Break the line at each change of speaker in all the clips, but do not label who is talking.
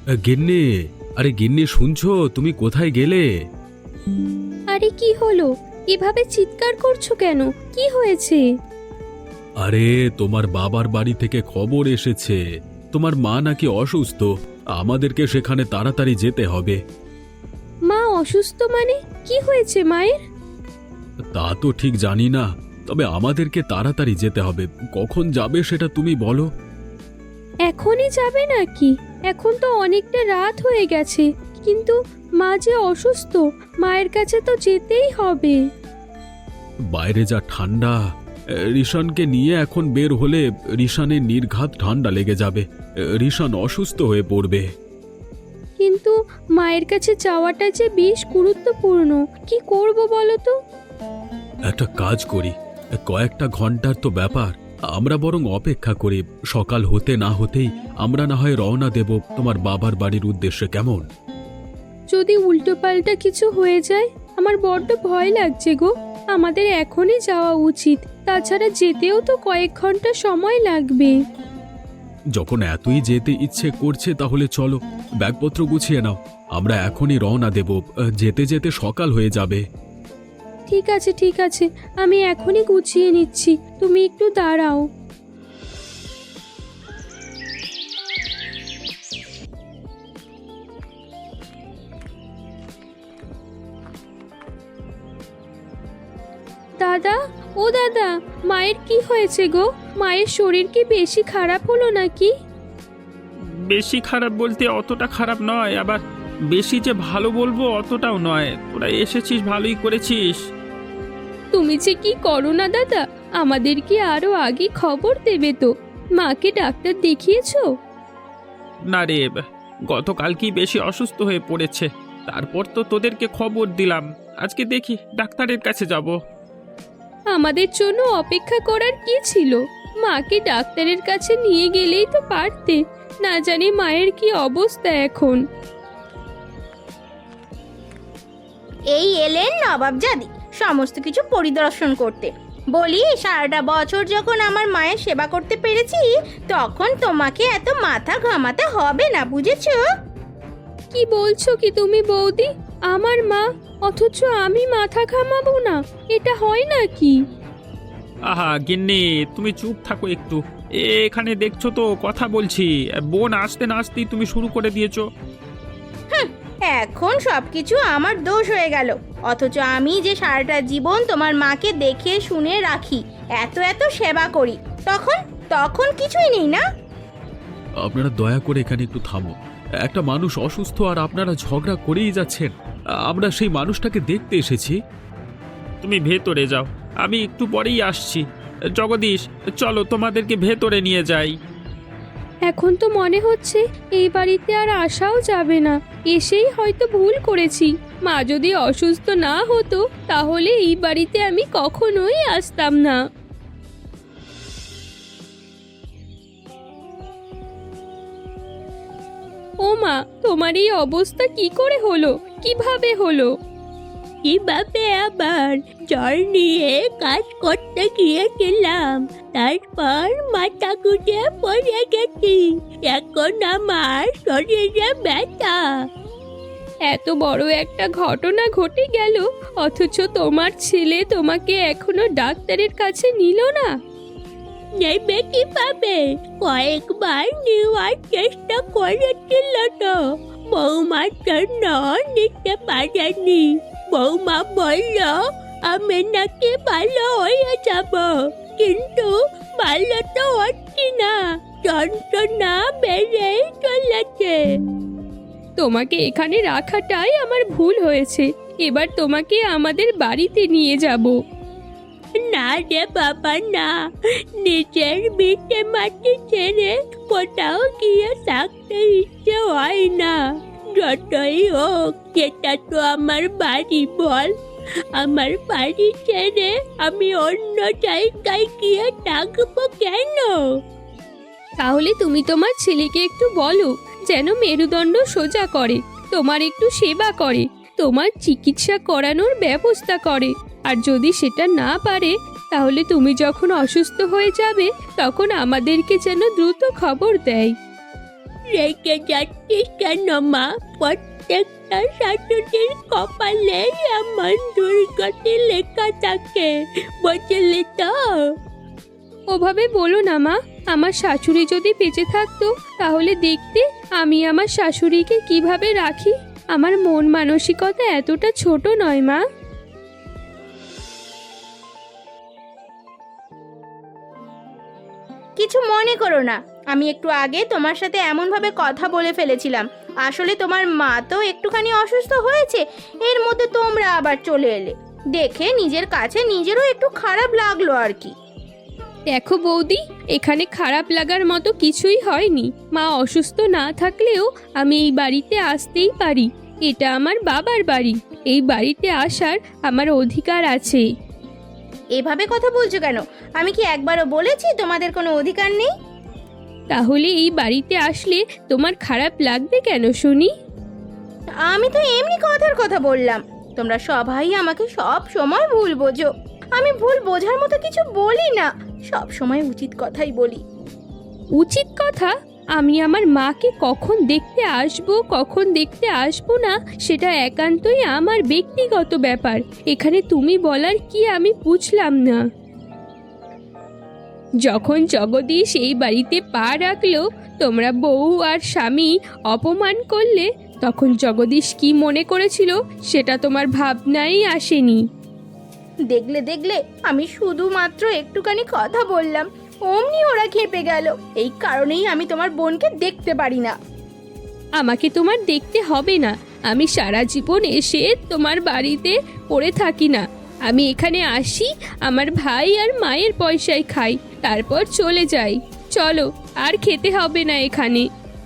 গিন্নি, আরে গিন্নি শুনছো? তুমি কোথায় গেলে?
আরে কি হলো? এভাবে চিৎকার করছো কেন? কি হয়েছে?
আরে তোমার বাবার বাড়ি থেকে খবর এসেছে, তোমার মা নাকি অসুস্থ। আমাদেরকে সেখানে তাড়াতাড়ি যেতে হবে।
মা অসুস্থ মানে? কি হয়েছে মায়ের?
তা তো ঠিক জানি না, তবে আমাদেরকে তাড়াতাড়ি যেতে হবে। কখন যাবে সেটা তুমি বলো।
এখনই যাবে নাকি? এখন তো অনেকটা রাত হয়ে গেছে, কিন্তু মা যে অসুস্থ, মায়ের কাছে তো যেতেই হবে।
বাইরে যা ঠান্ডা, রিশানকে নিয়ে এখন বের হলে রিশানের নির্ঘাত ঠান্ডা লেগে যাবে। রিশান অসুস্থ হয়ে পড়বে।
কিন্তু মায়ের কাছে যাওয়াটা যে বেশ গুরুত্বপূর্ণ। কি করব বলো তো?
একটা কাজ করি, কয়েকটা ঘন্টার তো ব্যাপার, আমরা বরং অপেক্ষা করি। সকাল হতে না হতেই আমরা না হয় রওনা দেব তোমার বাবার বাড়ির উদ্দেশ্যে, কেমন?
যদি উল্টোপাল্টা কিছু হয়ে যায়, আমার বড্ড ভয় লাগছে গো। আমাদের এখনই যাওয়া উচিত, তাছাড়া যেতেও তো কয়েক ঘন্টা সময় লাগবে।
যখন এতই যেতে ইচ্ছে করছে তাহলে চলো, ব্যাগপত্র গুছিয়ে নাও। আমরা এখনই রওনা দেব, যেতে যেতে সকাল হয়ে যাবে।
ঠিক আছে ঠিক আছে, আমি এখনই গুছিয়ে নিচ্ছি, তুমি একটু দাঁড়াও। দাদা, ও দাদা, মায়ের কি হয়েছে গো? মায়ের শরীর কি বেশি খারাপ হলো নাকি?
বেশি খারাপ বলতে অতটা খারাপ নয়, আবার বেশি যে ভালো বলবো অতটাও নয়। তোরা এসেছিস, ভালোই করেছিস।
তুমি যে কি করো না দাদা, আমাদের কি আরো আগে খবর দেবে তো? মাকে ডাক্তার দেখিয়েছো?
না রে, গতকালকেই বেশি অসুস্থ হয়ে পড়েছে, তারপর তো তোদেরকে খবর দিলাম। আজকে দেখি ডাক্তারের কাছে যাব।
আমাদের জন্য অপেক্ষা করার কি ছিল? মাকে ডাক্তারের কাছে নিয়ে গেলেই তো পারতে। না জানি মায়ের কি অবস্থা এখন।
এই এলেন নবাবজাদি সমস্ত কিছু পরিদর্শন করতে। বলি, সারাটা বছর যখন আমার মায়ের সেবা করতে পেরেছি, তখন তোমাকে এত মাথা ঘামাতে হবে না, বুঝেছো?
কি বলছো কি তুমি বৌদি? আমার মা, অথচ আমি মাথা ঘামাবো না? এটা হয় নাকি?
আহা গিন্নি, তুমি চুপ থাকো একটু। এখানে দেখছো তো কথা বলছি, বোন আসতে না আসতেই তুমি শুরু করে দিয়েছো।
এখন সবকিছু আমার দোষ হয়ে গেল, অথচ আমি যে সারাটা জীবন তোমার মাকে দেখে শুনে রাখি, এত এত সেবা করি, তখন তখন কিছুই নেই না?
আপনারা দয়া করে এখানে একটু থামো। একটা মানুষ অসুস্থ আর আপনারা ঝগড়া করেই যাচ্ছেন। আমরা সেই মানুষটাকে দেখতে এসেছি।
তুমি ভেতরে যাও, আমি একটু পরেই আসছি। জগদীশ, চলো তোমাদেরকে ভেতরে নিয়ে যাই।
এখন তো মনে হচ্ছে এই বাড়িতে আর আসাও যাবে না। এসেই হয়তো ভুল করেছি। মা যদি অসুস্থ না হতো, তাহলে এই বাড়িতে আমি কখনোই আসতাম না। ও মা, তোমার এই অবস্থা কি করে হলো? কিভাবে হলো? কিভাবে আবার? জ্বর নিয়ে কাজ করতে গিয়েছিলাম, তারপর মাথা ঘুরে পড়ে গেছি। এখন আমার শরীরে ব্যথা। এত বড় একটা ঘটনা ঘটে গেল, অথচ তোমার ছেলে তোমাকে এখনো ডাক্তারের কাছে নিল না। নেবে কিভাবে? কয়েকবার নেওয়ার চেষ্টা করেছিল তো, বৌমার জন্য নিতে পারেনি। বৌমা বলল আমি নাকি ভালো হয়ে যাব, কিন্তু ভালো তো হচ্ছি না, যন্ত্রণা বেড়েই চলেছে। তোমাকে এখানে রাখাটাই আমার ভুল হয়েছে। এবার তোমাকে আমাদের বাড়িতে নিয়ে যাব। না রে বাবা না, নিজের ভিটে মাটি ছেড়ে কোথাও গিয়ে থাকতে ইচ্ছে হয় না। যতই হোক, এটা তো আমার বাড়ি বল। আমার বাড়ি ছেড়ে আমি অন্য জায়গায় গিয়ে থাকবো কেন? তাহলে তুমি তোমার ছেলেকে একটু বলো যেন মেরুদণ্ড সোজা করে, তোমার একটু সেবা করে, তোমার চিকিৎসা করানোর ব্যবস্থা করে। আর যদি সেটা না পারে, তাহলে তুমি যখন অসুস্থ হয়ে যাবে, তখন আমাদেরকে যেন দ্রুত খবর দেয়। রেখে যাচ্ছিস কেন মা? প্রত্যেকটা শাশুড়ির কপালে এমন দুর্গতি লেখা থাকে, বুঝলি তো? ওভাবে বলো না মা। আমার শাশুড়ি যদি বেঁচে থাকতো তাহলে দেখতে আমি আমার শাশুড়িকে কিভাবে রাখি। আমার মন মানসিকতা এতটা ছোট নয় মা।
কিছু মনে করো না, আমি একটু আগে তোমার সাথে এমনভাবে কথা বলে ফেলেছিলাম। আসলে তোমার মা তো একটুখানি অসুস্থ হয়েছে, এর মধ্যে তোমরা আবার চলে এলে, দেখে নিজের কাছে নিজেরও একটু খারাপ লাগলো আর কি।
দেখো বৌদি, এখানে খারাপ লাগার মতো কিছুই হয়নি। মা অসুস্থ না থাকলেও আমি এই বাড়িতে আসতেই পারি। এটা আমার বাবার বাড়ি, এই বাড়িতে আসার আমার অধিকার আছে।
এভাবে কথা বলছো কেন? আমি কি একবারও বলেছি তোমাদের কোনো অধিকার নেই?
তাহলে এই বাড়িতে আসলে তোমার খারাপ লাগবে কেন শুনি?
আমি তো এমনি কথার কথা বললাম। তোমরা সবাই আমাকে সব সময় ভুল বোঝো। আমি ভুল বোঝার মতো কিছু বলি না, সব সময় উচিত কথাই বলি।
উচিত কথা? আমি আমার মাকে কখন দেখতে আসবো না সেটা একান্তই আমার ব্যক্তিগত ব্যাপার। এখানে তুমি বলার কি আমি বুঝলাম না। যখন জগদীশ এই বাড়িতে পা রাখলো, তোমরা বউ আর স্বামী অপমান করলে, তখন জগদীশ কি মনে করেছিল সেটা তোমার ভাবনাই আসেনি।
দেখলে আমি শুধুমাত্র একটুখানি কথা বললাম, অমনি ওরা খেপে গেল। এই কারণেই আমি তোমার বোনকে দেখতে পারি না।
আমাকে তোমার দেখতে হবে না। আমি সারা জীবন এসে তোমার বাড়িতে পড়ে থাকি না। আমি এখানে আসি, আমার ভাই আর মায়ের পয়সায় খাই, তারপর চলে যাই। চলো, আর খেতে হবে না এখানে।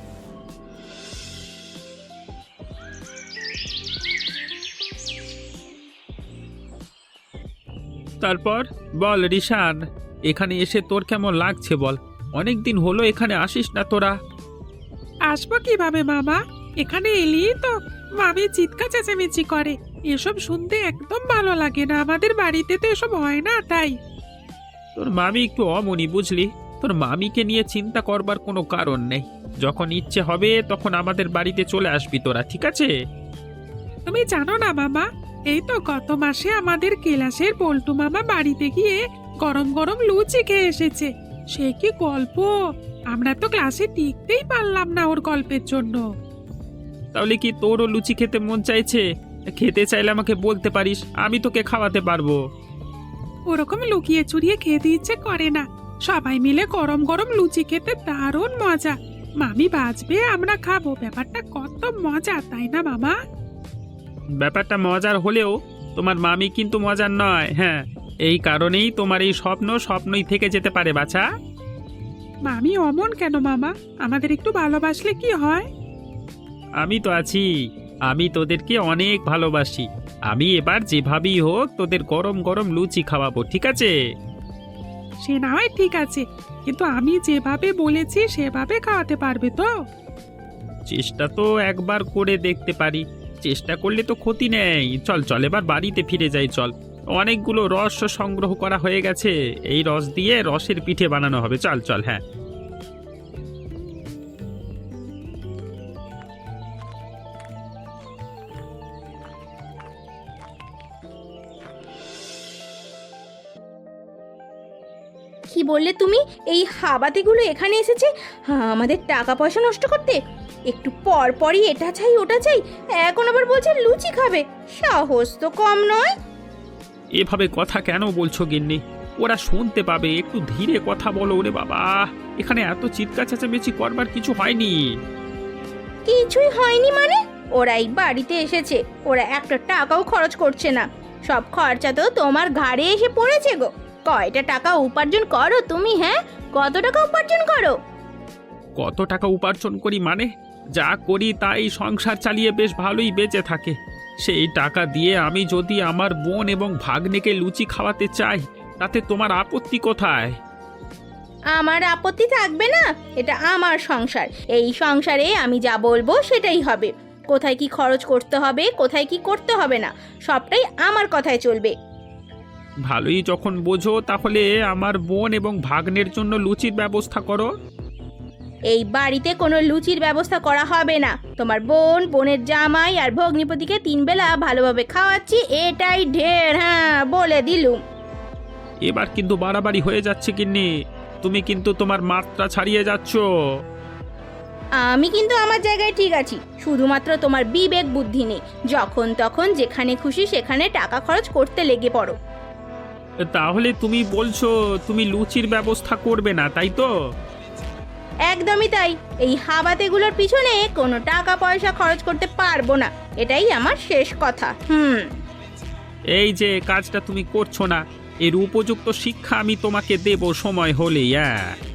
তারপর বল রিশান, এখানে এসে তোর কেমন লাগছে বল? অনেক দিন হলো এখানে আসিস না তোরা।
আসবো কিভাবে মামা? এখানে এলেই তো মামি চিৎকার চেঁচামেচি করে, এসব শুনতে একদম ভালো লাগে না। আমাদের বাড়িতে তো এসব হয় না, তাই।
তোর মামি একটু অমনি, বুঝলি? তোর মামিকে নিয়ে চিন্তা করবার কোনো কারণ নেই। যখন ইচ্ছে হবে তখন আমাদের বাড়িতে চলে আসবি তোরা, ঠিক আছে?
তুমি জানো না মামা, এই তো গত মাসে আমাদের কেলাসের পল্টু মামা বাড়িতে গিয়ে গরম গরম লুচি খেয়ে এসেছে। সে কি গল্প! আমরা তো ক্লাসে টিকতেই পারলাম না ওর গল্পের জন্য।
তাহলে কি তোরও লুচি খেতে মন চাইছে? খেতে চাইলে আমাকে বলতে পারিস, আমি তোকে খাওয়াতে পারবো।
ওরকম লুকিয়ে চুরিয়ে খেতে ইচ্ছে করে না। সবাই মিলে গরম গরম লুচি খেতে দারুণ মজা। মামি বাঁচবে, আমরা খাবো, ব্যাপারটা কত মজা, তাই না মামা?
ব্যাপারটা মজার হলেও তোমার মামি কিন্তু মজার নয়। হ্যাঁ, এই কারণেই তোমার এই স্বপ্ন স্বপ্নই থেকে যেতে পারে বাছা।
মামি অমন কেন মামা? আমাদের একটু ভালোবাসলে কি হয়?
আমি তো আছি, আমি তোদেরকে অনেক ভালোবাসি। আমি এবার যেভাবেই হোক তোদের গরম গরম লুচি খাওয়াবো, ঠিক আছে?
সে না হয় ঠিক আছে, কিন্তু আমি যেভাবে বলেছি সেভাবে খাওয়াতে পারবে তো?
চেষ্টা তো একবার করে দেখতে পারি, চেষ্টা করলে তো ক্ষতি নেই। চল চল, এবার বাড়িতে ফিরে যাই চল। অনেকগুলো রস সংগ্রহ করা হয়ে গেছে, এই রস দিয়ে রসের পিঠে বানানো হবে। চল চল। হ্যাঁ,
কি বললে তুমি? এই হাবাতিগুলো এখানে এসেছে আমাদের টাকা পয়সা নষ্ট করতে? একটু পর পরই এটা চাই ওটা চাই, এখন আবার বলছে লুচি খাবে। সাহস তো কম নয়।
এভাবে কথা কেন বলছো গিন্নি? ওরা শুনতে পাবে, একটু ধীরে কথা বলো। ওরে বাবা, এখানে এত চিৎকার চেঁচামেচি করবার কিছু হয়নি।
কিছুই হয়নি মানে? ওরা এই বাড়িতে এসেছে, ওরা একটা টাকাও খরচ করছে না, সব খরচা তো তোমার ঘাড়ে এসে পড়েছে গো। কয়টা টাকা উপার্জন করো তুমি? হ্যাঁ, কত টাকা উপার্জন করো?
কত টাকা উপার্জন করি মানে? যা করি তাই সংসার চালিয়ে বেশ ভালোই বেঁচে থাকে। সেই টাকা দিয়ে আমি যদি আমার বোন এবং ভাগ্নেকে লুচি খাওয়াতে চাই, তাতে তোমার আপত্তি কোথায়?
আমার আপত্তি থাকবে না? এটা আমার সংসার, এই সংসারে আমি যা বলবো সেটাই হবে। কোথায় কি খরচ করতে হবে, কোথায় কি করতে হবে না, সবটাই আমার কথায় চলবে।
ভালোই যখন বোঝো, তাহলে আমার বোন এবং ভাগ্নের জন্য লুচির ব্যবস্থা করো।
এই বাড়িতে কোনো লুচির ব্যবস্থা করা হবে না। তোমার বোন, বোনের জামাই আর ভগ্নিপতিকে 3 বেলা ভালোভাবে খাওয়াচ্ছি, এটাই ঢের। হ্যাঁ, বলে দিলুম।
এবার কিন্তু বাড়াবাড়ি হয়ে যাচ্ছে গিন্নি, তুমি কিন্তু তোমার মাত্রা ছাড়িয়ে যাচ্ছ।
আমি কিন্তু আমার জায়গায় ঠিক আছি, শুধুমাত্র তোমার বিবেক বুদ্ধি নেই। যখন তখন যেখানে খুশি সেখানে টাকা খরচ করতে লেগে পড়ো।
তাহলে তুমি বলছো তুমি লুচির ব্যবস্থা করবে না, তাই তো?
একদমই তাই। এই হাবাতেগুলোর পিছনে কোনো টাকা পয়সা খরচ করতে পারবো না, এটাই আমার শেষ কথা।
এই যে কাজটা তুমি করছো না, এর উপযুক্ত শিক্ষা আমি তোমাকে দেব সময় হলেই।